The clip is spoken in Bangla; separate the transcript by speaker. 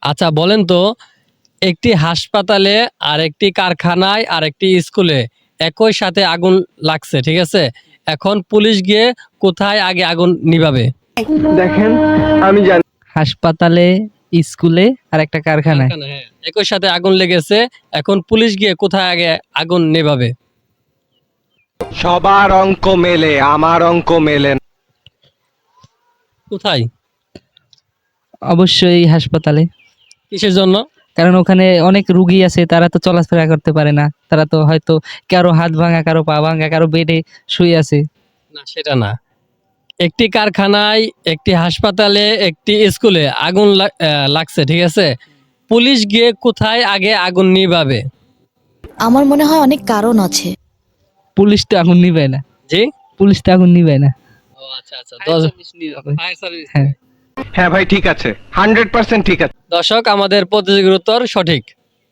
Speaker 1: আচ্ছা বলেন তো, একটি হাসপাতালে আর একটি কারখানায় আর একটি স্কুলে একই সাথে আগুন লাগছে, ঠিক আছে? এখন পুলিশ গিয়ে কোথায় আগে আগুন নিভাবে?
Speaker 2: দেখেন আমি জানি
Speaker 3: হাসপাতালে, স্কুলে আর একটা কারখানায়।
Speaker 1: কারখানা, হ্যাঁ। একই সাথে আগুন লেগেছে, এখন পুলিশ গিয়ে কোথায় আগে আগুন নেভাবে?
Speaker 2: সবার অঙ্ক মেলে, আমার অঙ্ক মেলে না।
Speaker 1: কোথায়?
Speaker 3: অবশ্যই হাসপাতালে।
Speaker 1: কিসের জন্য?
Speaker 3: কারণ ওখানে অনেক রুগী আছে, তারা তো চলাফেরা করতে পারে না, তারা তো হয়তো কারো হাত ভাঙা, কারো পা ভাঙা, কারো বেডে শুয়ে আছে।
Speaker 1: না, সেটা না। একটি কারখানায়, একটি হাসপাতালে, একটি স্কুলে আগুন লাগছে, ঠিক আছে? পুলিশ গিয়ে কোথায় আগে আগুন নিভাবে?
Speaker 4: আমার মনে হয় অনেক কারণ আছে।
Speaker 3: পুলিশ তো আগুন নিবে না,
Speaker 1: জি।
Speaker 3: পুলিশ তো আগুন নিবে না।
Speaker 1: ও আচ্ছা আচ্ছা, ফায়ার সার্ভিস।
Speaker 3: হ্যাঁ।
Speaker 2: হ্যাঁ ভাই ঠিক আছে, 100% ঠিক আছে।
Speaker 1: দর্শক, আমাদের প্রতিযোগীর উত্তর সঠিক।